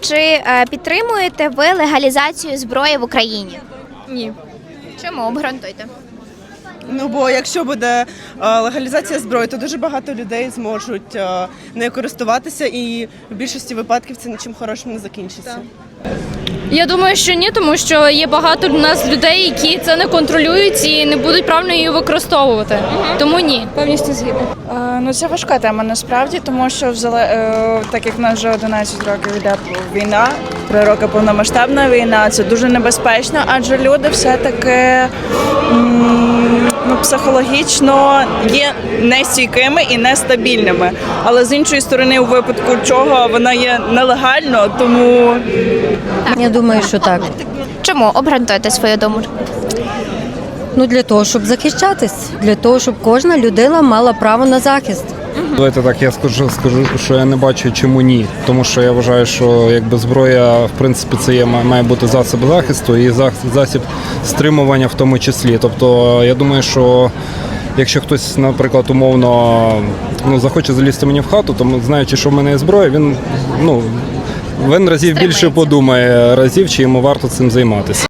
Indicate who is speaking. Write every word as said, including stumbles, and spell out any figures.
Speaker 1: чи е, підтримуєте ви легалізацію зброї в Україні?
Speaker 2: Ні.
Speaker 1: Чому? Обґрунтуйте.
Speaker 3: Ну бо якщо буде е, легалізація зброї, то дуже багато людей зможуть е, нею користуватися, і в більшості випадків це нічим хорошим не закінчиться.
Speaker 2: Я думаю, що ні, тому що є багато в нас людей, які це не контролюють і не будуть правильно її використовувати. Тому ні. Повністю згідна.
Speaker 4: Е, Ну, це важка тема насправді, тому що взяле- е, так як в нас вже одинадцять років йде війна, три роки повномасштабна війна, це дуже небезпечно, адже люди все-таки м, ну, психологічно є нестійкими і нестабільними. Але з іншої сторони, у випадку чого вона є нелегально, тому
Speaker 5: Я думаю, що так.
Speaker 1: Чому? Обґрунтуйте свою думку.
Speaker 5: Ну для того, щоб захищатись, для того, щоб кожна людина мала право на захист.
Speaker 6: Давайте так, я скажу, скажу, що я не бачу, чому ні. Тому що я вважаю, що якби зброя, в принципі, це є, має бути засіб захисту і засіб стримування в тому числі. Тобто, я думаю, що якщо хтось, наприклад, умовно ну, захоче залізти мені в хату, то знаючи, що в мене є зброя, він ну він разів більше подумає разів, чи йому варто цим займатися.